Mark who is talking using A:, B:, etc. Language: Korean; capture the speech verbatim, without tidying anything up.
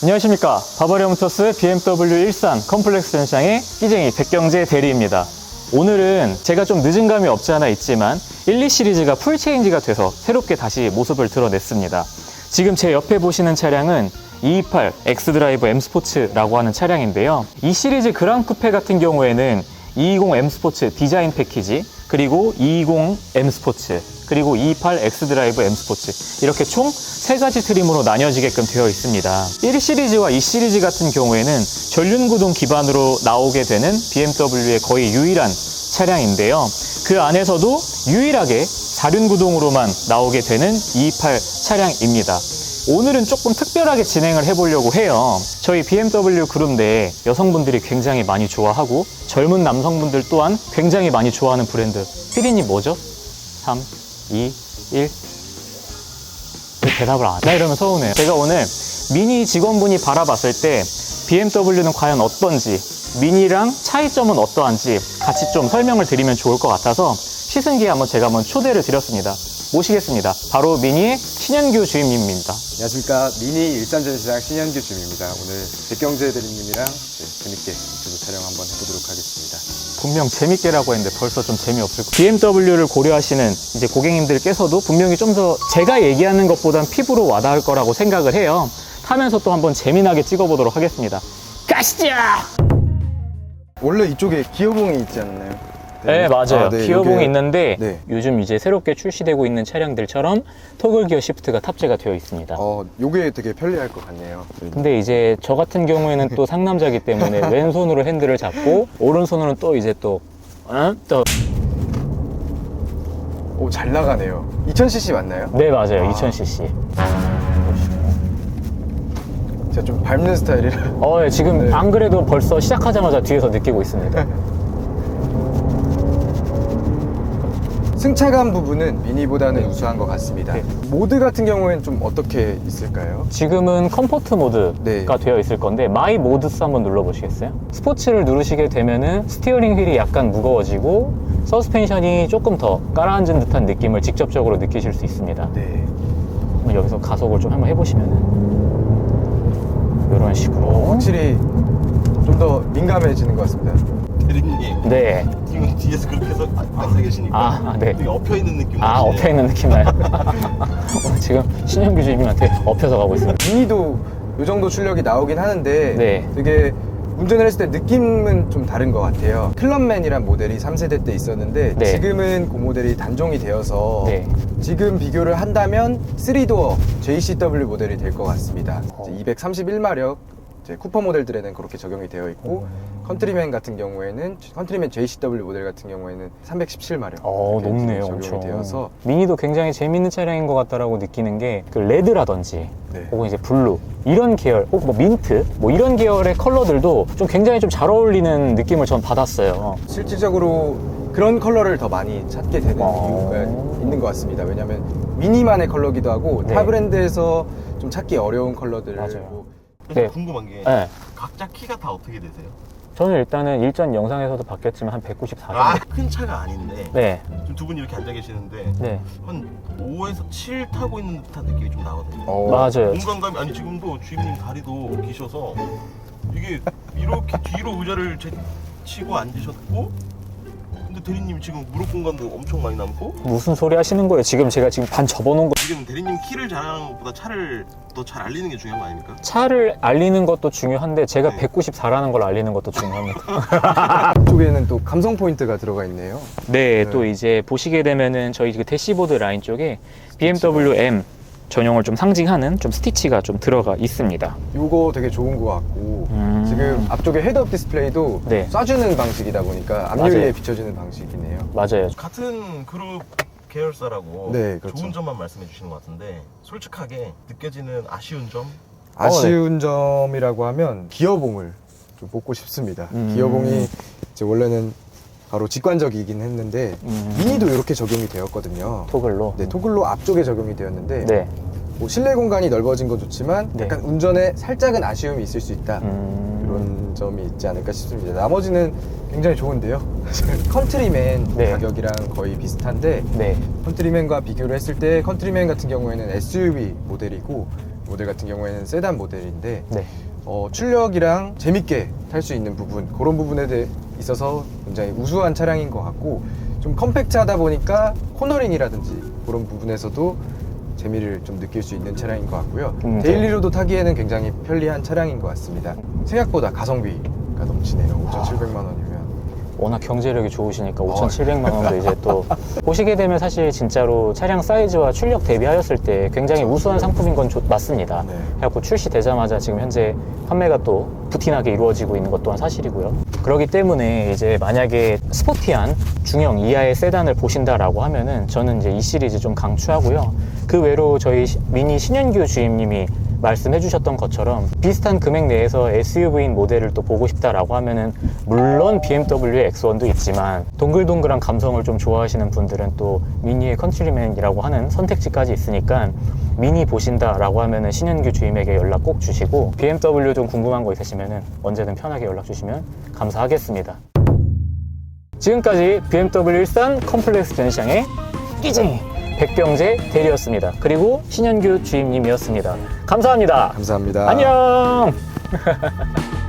A: 안녕하십니까. 바바리아 모터스 비엠더블유 일산 컴플렉스 전시장의 끼쟁이 백경재 대리입니다. 오늘은 제가 좀 늦은 감이 없지 않아 있지만 일, 이 시리즈가 풀 체인지가 돼서 새롭게 다시 모습을 드러냈습니다. 지금 제 옆에 보시는 차량은 이이팔 엑스드라이브 M 스포츠라고 하는 차량인데요. 이 시리즈 그랑 쿠페 같은 경우에는 이이십 M 스포츠 디자인 패키지, 그리고 이이십 M 스포츠, 그리고 이이팔 엑스드라이브 M 스포츠, 이렇게 총 세 가지 트림으로 나뉘어지게끔 되어 있습니다. 일 시리즈와 이 시리즈 같은 경우에는 전륜구동 기반으로 나오게 되는 비엠더블유의 거의 유일한 차량인데요. 그 안에서도 유일하게 사륜구동으로만 나오게 되는 이이팔 차량입니다. 오늘은 조금 특별하게 진행을 해보려고 해요. 저희 비엠더블유 그룹 내에 여성분들이 굉장히 많이 좋아하고 젊은 남성분들 또한 굉장히 많이 좋아하는 브랜드, 피디님 뭐죠? 삼, 이, 일. 왜 대답을 안 해? 이러면 서운해요. 제가 오늘 미니 직원분이 바라봤을 때 비엠더블유는 과연 어떤지, 미니랑 차이점은 어떠한지 같이 좀 설명을 드리면 좋을 것 같아서 시승기에 한번 제가 한번 초대를 드렸습니다. 모시겠습니다. 바로 미니의 신현규 주임님입니다.
B: 안녕하십니까. 미니 일산전시장 신현규 주임입니다. 오늘 백경재 대리님이랑 재밌게 유튜브 촬영 한번 해보도록 하겠습니다.
A: 분명 재밌게라고 했는데 벌써 좀 재미없을 거. 비엠더블유를 고려하시는 이제 고객님들께서도 분명히 좀 더 제가 얘기하는 것보단 피부로 와닿을 거라고 생각을 해요. 타면서 또 한번 재미나게 찍어보도록 하겠습니다. 가시죠!
B: 원래 이쪽에 기어봉이 있지 않나요?
A: 네, 맞아요.
B: 아, 네,
A: 기어봉이
B: 요게...
A: 있는데
B: 네.
A: 요즘 이제 새롭게 출시되고 있는 차량들처럼 토글 기어 시프트가 탑재가 되어 있습니다.
B: 어, 요게 되게 편리할 것 같네요.
A: 근데 이제 저 같은 경우에는 또 상남자기 때문에 왼손으로 핸들을 잡고 오른손으로는 또 이제 또 어? 또
B: 오, 잘 나가네요. 이천 씨씨 맞나요?
A: 네, 맞아요.
B: 아.
A: 이천 씨씨.
B: 제가 좀 밟는 스타일이라.
A: 어, 예, 지금
B: 네.
A: 안 그래도 벌써 시작하자마자 뒤에서 느끼고 있습니다.
B: 승차감 부분은 미니보다는 우수한 것 같습니다.
A: 네.
B: 모드 같은 경우에는 좀 어떻게 있을까요?
A: 지금은 컴포트 모드가
B: 네.
A: 되어 있을 건데 마이 모드스 한번 눌러보시겠어요? 스포츠를 누르시게 되면은 스티어링 휠이 약간 무거워지고 서스펜션이 조금 더 깔아앉은 듯한 느낌을 직접적으로 느끼실 수 있습니다.
B: 네.
A: 한번 여기서 가속을 좀 한번 해보시면은 이런 식으로.
B: 확실히 좀 더 민감해지는 것 같습니다.
C: 대리님,
A: 네.
C: 지금 뒤에서 그렇게 해서 앉아 계시니까
A: 아, 아, 네.
C: 되게 엎여 있는 느낌.
A: 아, 엎여 있는 느낌 나요. 오늘 지금 신현규 주임님한테 엎여서 가고 있습니다.
B: 미니도 이 정도 출력이 나오긴 하는데
A: 네.
B: 되게 운전을 했을 때 느낌은 좀 다른 것 같아요. 클럽맨이란 모델이 삼 세대 때 있었는데
A: 네.
B: 지금은 그 모델이 단종이 되어서
A: 네.
B: 지금 비교를 한다면 쓰리 도어 제이씨더블유 모델이 될 것 같습니다.
A: 어.
B: 이제 이백삼십일 마력 이제 쿠퍼 모델들에는 그렇게 적용이 되어 있고 컨트리맨 같은 경우에는 컨트리맨 제이씨더블유 모델 같은 경우에는 삼백십칠 마력
A: 어,
B: 이렇게
A: 높네요.
B: 적용이
A: 엄청.
B: 되어서
A: 미니도 굉장히 재밌는 차량인 것 같다라고 느끼는 게 그 레드라든지
B: 네.
A: 혹은 이제 블루 이런 계열, 혹은 뭐 민트 뭐 이런 계열의 컬러들도 좀 굉장히 좀 잘 어울리는 느낌을 전 받았어요.
B: 실질적으로 그런 컬러를 더 많이 찾게 되는
A: 어.
B: 이유가 있는 것 같습니다. 왜냐하면 미니만의 컬러기도 하고
A: 네.
B: 타 브랜드에서 좀 찾기 어려운 컬러들을
A: 맞아요.
B: 뭐
C: 그래서
A: 네.
C: 궁금한 게
A: 네.
C: 각자 키가 다 어떻게 되세요?
A: 저는 일단은 일전 영상에서도 봤겠지만 한 백구십사 정도.
C: 아, 큰 차가 아닌데
A: 네.
C: 지금 두 분이 이렇게 앉아 계시는데
A: 네.
C: 한 오에서 칠 타고 있는 듯한 느낌이 좀 나거든요.
B: 어,
A: 맞아요.
C: 공간감이 아니 지금도 주임님 다리도 기셔서 이게 이렇게 뒤로 의자를 제치고 앉으셨고 근데 대리님 지금 무릎 공간도 엄청 많이 남고
A: 무슨 소리 하시는 거예요? 지금 제가 지금 반 접어놓은 거.
C: 지금 대리님 키를 자랑하는 것보다 차를 더 잘 알리는 게 중요한 거 아닙니까?
A: 차를 알리는 것도 중요한데 제가
C: 네.
A: 백구십사라는 걸 알리는 것도 중요합니다.
B: 쪽에는 또 감성 포인트가 들어가 있네요.
A: 네,
B: 네.
A: 또 이제 보시게 되면은 저희 그 대시보드 라인 쪽에 비엠더블유 M 전용을 좀 상징하는 좀 스티치가 좀 들어가 있습니다.
B: 이거 되게 좋은 것 같고
A: 음.
B: 지금 앞쪽에 헤드업 디스플레이도
A: 네.
B: 쏴주는 방식이다 보니까 앞유리에
A: 맞아요.
B: 비춰지는 방식이네요.
A: 맞아요.
C: 같은 그룹 계열사라고
B: 네, 그렇죠.
C: 좋은 점만 말씀해 주시는 것 같은데 솔직하게 느껴지는 아쉬운 점?
B: 아쉬운 점이라고 하면 기어봉을 좀 뽑고 싶습니다.
A: 음.
B: 기어봉이 이제 원래는 바로 직관적이긴 했는데
A: 음.
B: 미니도 이렇게 적용이 되었거든요.
A: 토글로.
B: 네, 토글로 앞쪽에 적용이 되었는데
A: 네.
B: 뭐 실내 공간이 넓어진 건 좋지만
A: 네.
B: 약간 운전에 살짝은 아쉬움이 있을 수 있다.
A: 음.
B: 이런 점이 있지 않을까 싶습니다. 나머지는 굉장히 좋은데요. 컨트리맨
A: 네.
B: 가격이랑 거의 비슷한데
A: 네.
B: 컨트리맨과 비교를 했을 때 컨트리맨 같은 경우에는 에스유브이 모델이고 모델 같은 경우에는 세단 모델인데
A: 네.
B: 어, 출력이랑 재밌게 탈 수 있는 부분, 그런 부분에 대해 있어서 굉장히 우수한 차량인 것 같고, 좀 컴팩트하다 보니까 코너링이라든지 그런 부분에서도 재미를 좀 느낄 수 있는 차량인 것 같고요.
A: 음, 네.
B: 데일리로도 타기에는 굉장히 편리한 차량인 것 같습니다. 생각보다 가성비가 넘치네요. 오천칠백만 원이면.
A: 워낙 경제력이 좋으시니까 오천칠백만 원도 이제 또 보시게 되면 사실 진짜로 차량 사이즈와 출력 대비하였을 때 굉장히 우수한 상품인 건 좋- 맞습니다.
B: 네.
A: 그래갖고 출시되자마자 지금 현재 판매가 또 부티나게 이루어지고 있는 것 또한 사실이고요. 그렇기 때문에 이제 만약에 스포티한 중형 이하의 세단을 보신다라고 하면은 저는 이제 이 시리즈 좀 강추하고요. 그 외로 저희 시- 미니 신현규 주임님이 말씀해 주셨던 것처럼 비슷한 금액 내에서 에스유브이인 모델을 또 보고 싶다라고 하면은 물론 비엠더블유의 엑스원도 있지만 동글동글한 감성을 좀 좋아하시는 분들은 또 미니의 컨트리맨이라고 하는 선택지까지 있으니까 미니 보신다라고 하면은 신현규 주임에게 연락 꼭 주시고 비엠더블유 좀 궁금한 거 있으시면은 언제든 편하게 연락 주시면 감사하겠습니다. 지금까지 비엠더블유 일산 컴플렉스 전시장의 끼쟁이 백병재 대리였습니다. 그리고 신현규 주임님이었습니다. 감사합니다.
B: 감사합니다.
A: 안녕.